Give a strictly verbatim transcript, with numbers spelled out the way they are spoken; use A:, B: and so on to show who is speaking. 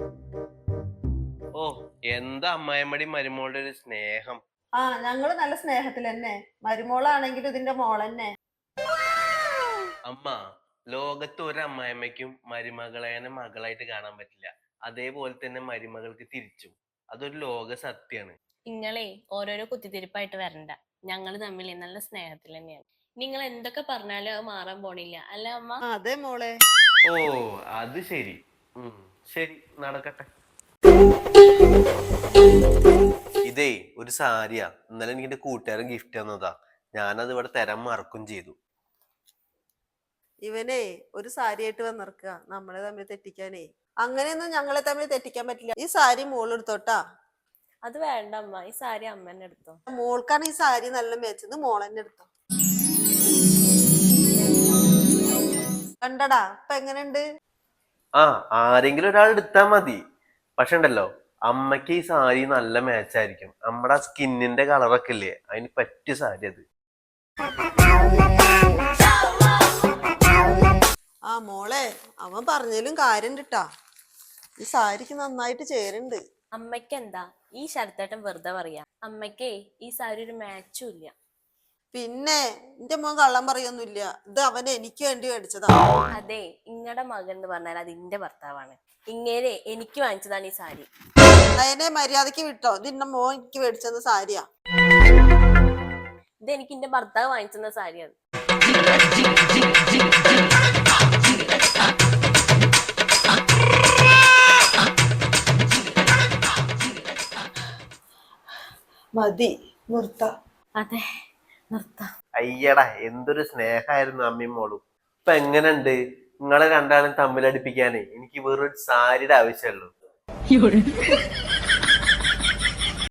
A: ഓ, എന്താ അമ്മായിമ്മടി മരുമോളുടെ ഒരു സ്നേഹം.
B: ആ ഞങ്ങള് നല്ല സ്നേഹത്തിൽ തന്നെ. മരുമോളാണെങ്കിലും ഇതിന്റെ മോളന്നെ.
A: അമ്മ, ലോകത്ത് ഒരു അമ്മായിമ്മയ്ക്കും മരുമകളേനെ മകളായിട്ട് കാണാൻ പറ്റില്ല. അതേപോലെ തന്നെ മരുമകൾക്ക് തിരിച്ചും. അതൊരു ലോക സത്യാണ്.
C: നിങ്ങളെ ഓരോരോ കുത്തിത്തിരിപ്പായിട്ട് വരണ്ട. ഞങ്ങള് തമ്മിൽ നല്ല സ്നേഹത്തിൽ തന്നെയാണ്. നിങ്ങൾ എന്തൊക്കെ പറഞ്ഞാലും അത് മാറാൻ പോണില്ല, അല്ല അമ്മ?
B: അതെ മോളെ.
A: ഓ, അത് ശരി. ഉം ശരി, നടക്കട്ടെ. ഇതേ ഒരു സാരിയാ. ഇന്നലെ എനിക്ക് എന്റെ കൂട്ടുകാരൻ ഗിഫ്റ്റ് തന്നതാ. ഞാനത് ഇവിടെ തരാൻ മറക്കും ചെയ്തു.
B: ഇവനെ ഒരു സാരിയായിട്ട് വന്നിറക്കുക നമ്മളെ തമ്മിൽ തെറ്റിക്കാനേ. അങ്ങനെയൊന്നും ഞങ്ങളെ തമ്മിൽ തെറ്റിക്കാൻ പറ്റില്ല. ഈ സാരി മോളെടുത്തോട്ടാ.
C: അത് വേണ്ട അമ്മ, ഈ സാരി അമ്മ തന്നെ എടുത്തോ.
B: മോൾക്കാണ് ഈ സാരി നല്ല മേച്ചത്, മോളെന്നെ എടുത്തോ. കണ്ടടാ ഇപ്പൊ എങ്ങനെയുണ്ട്?
A: ആ, ആരെങ്കിലും ഒരാൾ എടുത്താ മതി. പക്ഷെ ഉണ്ടല്ലോ, അമ്മയ്ക്ക് ഈ സാരി നല്ല മാച്ചായിരിക്കും. നമ്മുടെ ആ സ്കിന്നിന്റെ കളറൊക്കെ ഇല്ലേ, അതിന് പറ്റിയ സാരി അത്.
B: ആ മോളെ, അവൻ പറഞ്ഞതിലും കാര്യം കിട്ടാ. ഈ സാരിക്ക് നന്നായിട്ട് ചേരുന്നുണ്ട്.
C: അമ്മയ്ക്ക് എന്താ ഈ ശരത്തേട്ടൻ വെറുതെ പറയാ? അമ്മയ്ക്കേ ഈ സാരി ഒരു മാച്ചും ഇല്ല.
B: പിന്നെ എന്റെ മോൻ കള്ളം പറയൊന്നുമില്ല. ഇത് അവൻ എനിക്ക് വേണ്ടി മേടിച്ചതാ.
C: അതെ, ഇങ്ങടെ മകൻ എന്ന് പറഞ്ഞാൽ അത് ഇന്റെ ഭർത്താവാണ്. ഇങ്ങേരെ എനിക്ക് വാങ്ങിച്ചതാണ് ഈ സാരി.
B: അതിനെ മര്യാദക്ക് വിട്ടോ. ഇതിന്റെ മോൻ എനിക്ക് മേടിച്ചത് സാരിയാ.
C: ഇത് എനിക്ക് എന്റെ ഭർത്താവ് വാങ്ങിച്ചെന്ന സാരിയാണ്.
B: മതി, നിർത്ത.
C: അതെ, നിർത്താം.
A: അയ്യടാ, എന്തൊരു സ്നേഹമായിരുന്നു അമ്മയും മോളും. ഇപ്പൊ എങ്ങനെയുണ്ട്? നിങ്ങളെ രണ്ടാളും തമ്മിലടിപ്പിക്കാനേ എനിക്ക് വെറൊരു സാരിയുടെ ആവശ്യമുള്ളൂ.